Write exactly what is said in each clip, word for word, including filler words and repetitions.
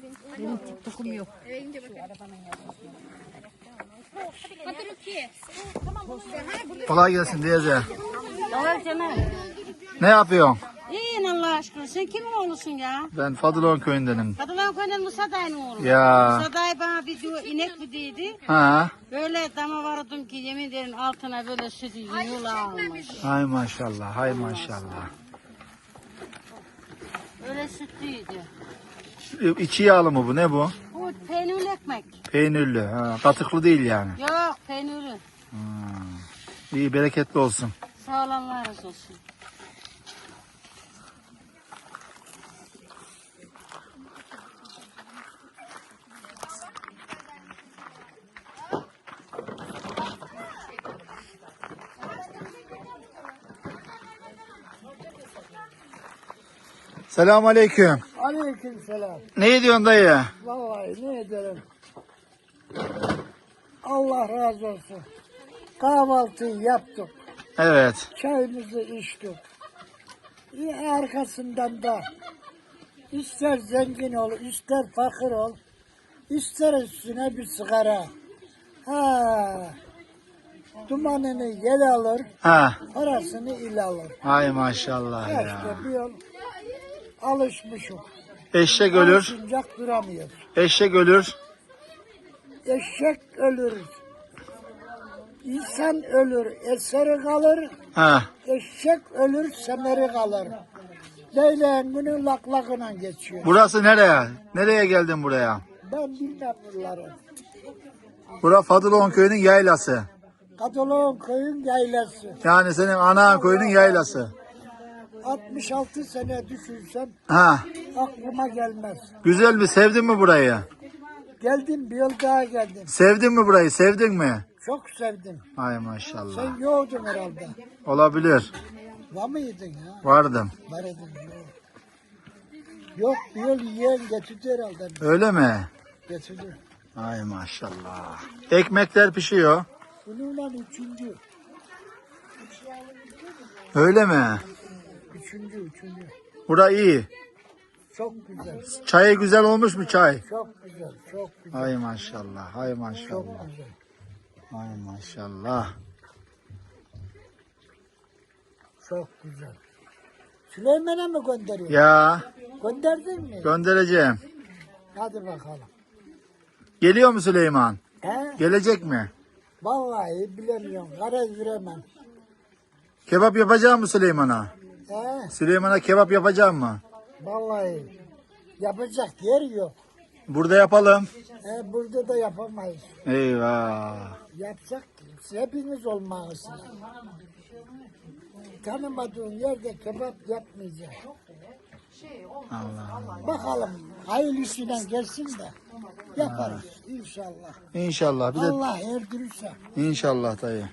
Benim TikTok'um yok. Kolay gelsin teyze. Kolay canım. Ne yapıyorsun? İyiyim Allah aşkına. Sen kimin oğlusun ya? Ben Fadılon köyündenim. Kadılan köyünden Musa dayının oğlu. Ya. Musa dayı bana bir diyor, inek mi dedi. Ha. Böyle dama vardım ki yemin ederim altına böyle sütü yığıla almış. Hay maşallah, hay maşallah. Öyle sütlüydü. İçi yağlı mı bu? Ne bu? Bu peynirli ekmek. Peynirli. Ha, katıklı değil yani. Yok peynirli. İyi, bereketli olsun. Sağ olun Allah razı olsun. Selamun aleyküm. Aleykümselam. Ne ediyorsun dayı? Vallahi ne ederim. Allah razı olsun. Kahvaltıyı yaptık. Evet. Çayımızı içtik. E, arkasından da ister zengin ol, ister fakir ol, ister üstüne bir sigara. Ha, dumanını yel alır, Ha. parasını il alır. Hay maşallah Ya ya. işte bir yol alışmışım. Eşek ölür. Alışınacak duramıyor. Eşek ölür. Eşek ölür. İnsan ölür, eseri kalır. Ha. Eşek ölür, semeri kalır. Leyleğin günü laklakına geçiyor. Burası nereye? Nereye geldin buraya? Ben bilmem bunları. Bura Fadılon köyünün yaylası. Kadalon köyün yaylası. Yani senin ana köyünün yaylası. altmış altı sene düşünsem Ha. aklıma gelmez. Güzel mi? Sevdin mi burayı? Geldim, bir yıl daha geldim. Sevdin mi burayı? Sevdin mi? Çok sevdim. Ay maşallah. Sen yoğdun herhalde. Olabilir. Var mıydın ya? Vardım. Var edin. Yok. Yok, bir yıl yiyen getirdi herhalde. Öyle mi? Getirdi. Ay maşallah. Ekmekler pişiyor. Bununla üçüncü. Öyle mi? Üçüncü, üçüncü. Bura iyi. Çok güzel. Çayı güzel olmuş mu çay? Çok güzel, çok güzel. Ay maşallah. Ay Çok maşallah. güzel. Ay maşallah. Çok güzel. Süleyman'a mı gönderiyorsun? Ya Gönderdin mi? göndereceğim. Hadi bakalım. Geliyor mu Süleyman? He? Gelecek mi? Vallahi bilemiyorum. Garez veremem. Kebap yapacak mı Süleyman'a? He? Süleyman'a kebap yapacak mı? Vallahi yapacak yer yok. Burada yapalım. He, burada da yapamayız. Eyvah. Yapacak hepiniz olmalısınız. Tanımadığın yerde kebap yapmayacak. Allah Allah. Bakalım hayırlısıyla gelsin de yaparız inşallah. İnşallah. Bir de Allah erdirirse. inşallah dayı.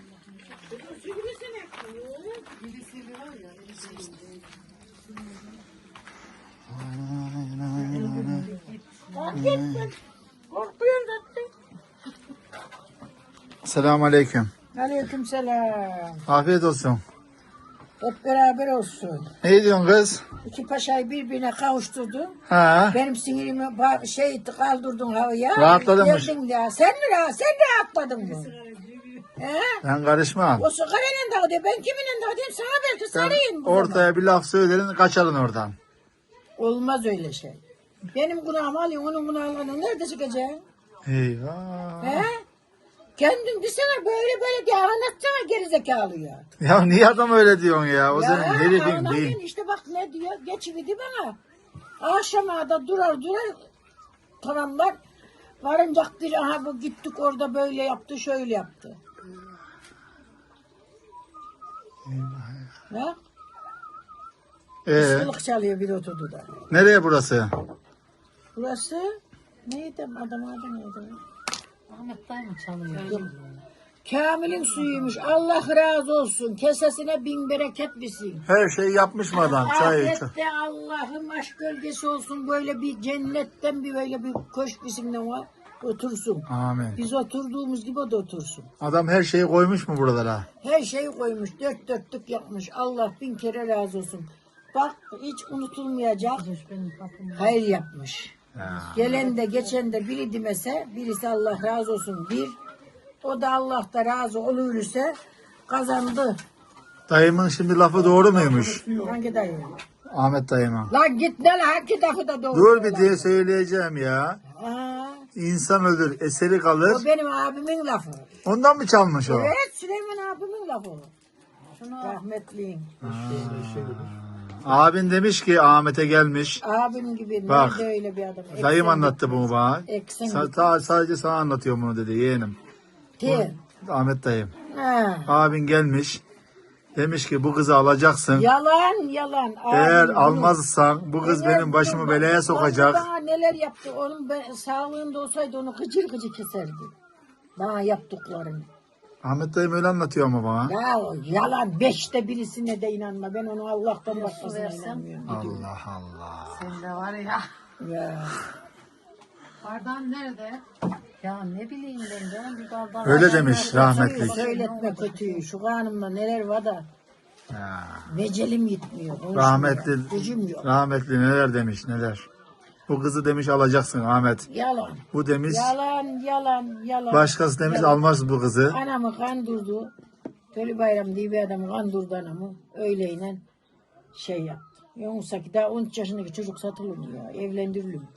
Selamun aleyküm. Aleykümselam. Afiyet olsun. Hep beraber olsun. Ne diyorsun kız? İki paşayı birbirine kavuşturdun. Ha? Benim sinirimi ba- şey kaldırdın havaya. Rahatladın mı? Verdin ya. Sen mi rahat? Sen rahatladın mı? He? Ben karışmam. O sigarayla da ödeyim. Ben kiminle de ödeyeyim? Sana belki Sen sarayım. bu zaman. ortaya bir laf söylerin kaçarın oradan. Olmaz öyle şey. Benim günahımı alıyorsun, onun günahını nerede çıkacaksın? Eyvah. He? Kendin desene böyle böyle diye anlatsana gerizekalıya. Ya niye adam öyle diyorsun ya? O senin herifin anladın değil. işte bak ne diyor. Geçividi bana. Akşama da durar durar tamamlar. Varıncak bir aha bu gittik orada böyle yaptı şöyle yaptı. Ne? Ee, Sılık çalıyor bir oturdu da. nereye burası? Burası neydi adam adı neydi? Ahmet dayı mı çalıyor? Yok. Kamil'in suyuymuş. Allah razı olsun. Kesesine bin bereket versin. Her şeyi yapmış mı adam? Çay iç. Ahirette Allah'ın aşk gölgesi olsun. Böyle bir cennetten bir böyle bir köşk bizimle var. Otursun. Amin. Biz oturduğumuz gibi o da otursun. Adam her şeyi koymuş mu buralara? Her şeyi koymuş. Dört dörtlük yapmış. Allah bin kere razı olsun. Bak hiç unutulmayacak. Hayır yapmış. Ya. Gelen de geçen de biri demese, birisi Allah razı olsun bir. O da Allah da razı olursa kazandı. Dayımın şimdi lafı doğru muymuş? Hangi dayı? Ahmet dayıma. Lan git ne lan hangi lafı da doğru. Dur bir diye söyleyeceğim ya. Aa, İnsan ölür, eseri o kalır. benim abimin lafı. Ondan mı çalmış o? Evet Süleyman abimin lafı. Rahmetliyin. Abin demiş ki Ahmet'e gelmiş. Abim gibi Bak, nerede öyle bir adam. Dayım Eksen anlattı bunu bana. Eksen Sa- ta- sadece sana anlatıyorum bunu dedi yeğenim. gitti. Ahmet dayım. Ha. Abin gelmiş. Demiş ki bu kızı alacaksın. Yalan yalan. Eğer Abim bunu- almazsan bu kız benim başımı belaya sokacak. Bana neler yaptı. Onun ben, sağlığında olsaydı onu gıcır gıcır keserdi. Bana yaptıklarını. Ahmet dayım öyle anlatıyor ama bana. Ya o yalan. Beşte birisine de inanma. Ben onu Allah'tan başkasına inanmıyorum. Allah Allah. Sen de var ya. Ya. Bardağın nerede? Ya ne bileyim ben canım bir bardak. Öyle demiş rahmetli. Söyletme kötüyü. Şu kanımda neler var da Ya. mecelim gitmiyor. konuşmuyor. Rahmetli, Gücüm yok. rahmetli neler demiş neler. Bu kızı demiş alacaksın Ahmet. Yalan. Bu demiş Yalan, yalan, yalan. başkası demiş Yalan. almaz bu kızı. Anamı kandırdı. Tölü Bayram diye bir adamı kandırdı anamı. Öyleyle şey yaptı. Yoksa ki daha on üç yaşındaki çocuk satılır mı ya? Evlendirilir mi?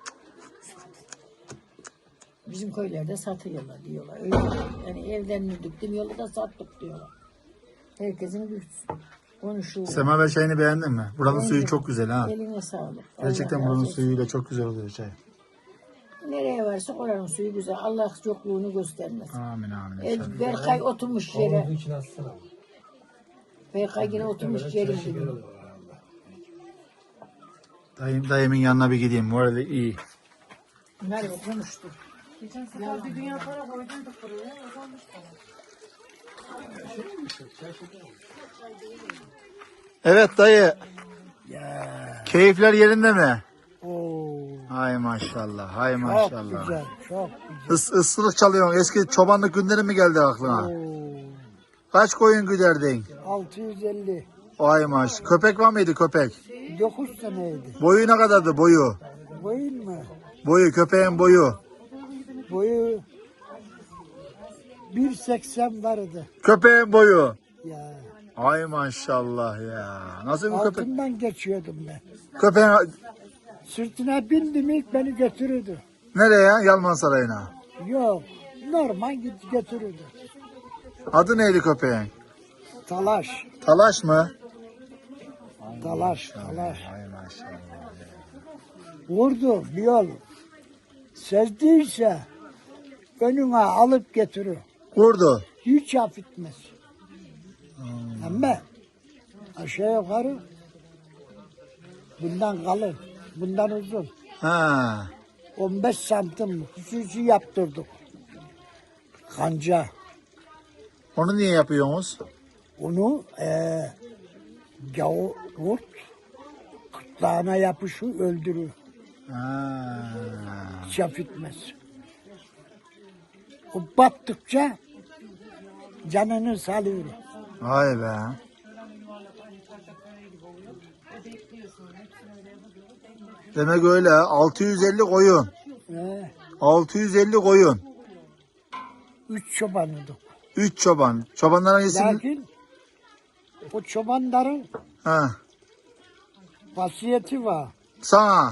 Bizim köylerde satıyorlar diyorlar. Öyle yani evlendirdik demiyorlar da sattık diyorlar. Herkesin güç. Konuşuyor. Semaver çayını beğendin mi? Buranın suyu çok güzel ha. Eline sağlık. Gerçekten Allah razı buranın olsun. suyuyla çok güzel oluyor çay. Nereye varsa oranın suyu güzel. Allah yokluğunu göstermesin. Amin amin. El, inşallah. Berkay oturmuş yere. Berkay yine oturmuş yerin gibi. Dayım, dayımın yanına bir gideyim. Morali iyi. Merve konuştu. Geçen sefer bir dünya para koyduyduk buraya. O olmuş falan. Evet dayı. Ya. Keyifler yerinde mi? Oo. Hay maşallah. Hay Çok maşallah. güzel. Çok güzel. Is, ıslık çalıyorsun. Eski çobanlık günleri mi geldi aklına? Oo. Kaç koyun güderdin? altı yüz elli. Ay maş. Köpek var mıydı köpek? dokuz seneydi. Boyu ne kadardı boyu? Boyun mu? Boyu köpeğin boyu. Boyu bir seksen vardı. Köpeğin boyu. Ya. Ay maşallah ya. Nasıl bir köpek? Altından geçiyordum ben. Köpeğin Sırtına bindim ilk beni götürürdü. nereye? Yalman Sarayı'na. Yok. Normal git götürürdü. Adı neydi köpeğin? Talaş. Talaş mı? Talaş. Talaş. Ay maşallah. Vurdu bir yol. Sezdiyse önüne alıp getirir. Vurdu. Hiç affetmez. Ama aşağı yukarı bundan kalın, bundan uzun. Ha. on beş santim hususi yaptırdık. Kanca. Onu niye yapıyorsunuz? Onu eee gavur kurt kırtlağına yapışır öldürür. Ha. Hiç affetmez. O battıkça canını salıyor. Vay be. Demek öyle. altı yüz elli koyun. Ee, altı yüz elli koyun. üç çobanıydık. üç çoban. Çobanların isim... Lakin o çobanların Ha. vasiyeti var. Sana.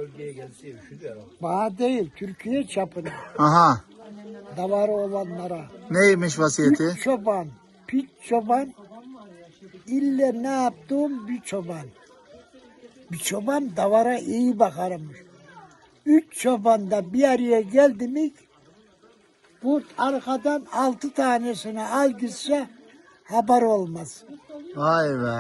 Bana değil, Türkiye çapında. Aha. Davarı olanlara. Neymiş vasiyeti? Üç çoban, pit çoban, ille ne yaptığım bir çoban. Bir çoban davara iyi bakarmış. Üç çoban da bir araya geldi mi, kurt arkadan altı tanesini al gitse haber olmaz. Vay be.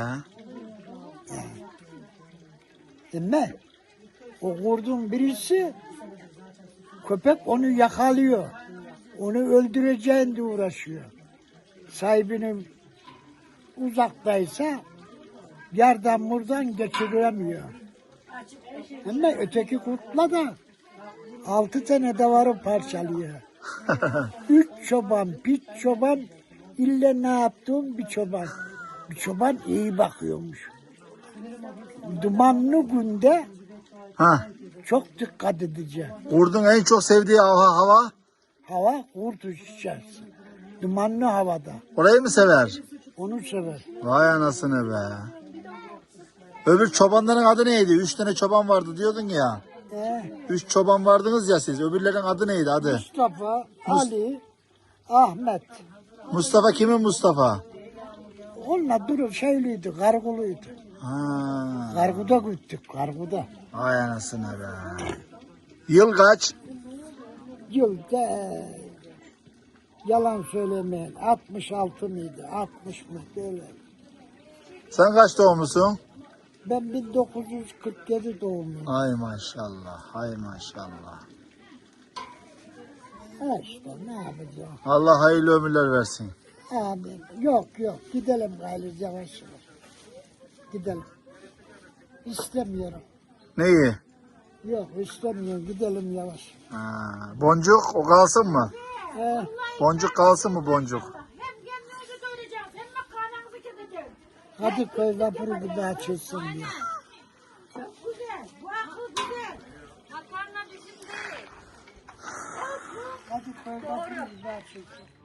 Değil mi? O kurdun birisi köpek onu yakalıyor. Onu öldüreceğin de uğraşıyor. Sahibinin uzaktaysa yerden buradan geçiremiyor. Ama öteki kurtla da altı tane davarı parçalıyor. Üç çoban, pit çoban, ille ne yaptığım bir çoban. Bir çoban iyi bakıyormuş. Dumanlı günde Ha. çok dikkat edeceğim. Kurdun en çok sevdiği hava, hava? Hava kurt uçacaksın. Dumanlı havada. Orayı mı sever? Onu sever. Vay anasını be. Öbür çobanların adı neydi? Üç tane çoban vardı diyordun ya. Ee, Üç çoban vardınız ya siz. Öbürlerin adı neydi adı? Mustafa, Ali, Ahmet. Mustafa kimin Mustafa? Onunla durur şeyliydi, karguluydu. Ha. Karguda gittik, karguda. Vay anasını be. Yıl kaç? Yılda e, yalan söylemeyin. altmış altı mıydı? altmış mı? Böyle. Sen kaç doğumlusun? Ben bin dokuz yüz kırk yedi doğumluyum. Ay maşallah. Ay maşallah. Ha işte ne yapacağım? Allah hayırlı ömürler versin. Abi yok yok gidelim gayrı yavaş yavaş. Gidelim. İstemiyorum. Neyi? Yok istemiyorum gidelim yavaş. Ha, boncuk o kalsın mı? Ee, Boncuk kalsın mı boncuk? Hem kendinizi doyuracağız hem makarnanızı keseceğiz. hadi köy vapuru bir daha çözsün diye. Çok güzel. Bu akıl güzel. Makarna bizim değil. Hadi köy vapuru bir daha çözsün.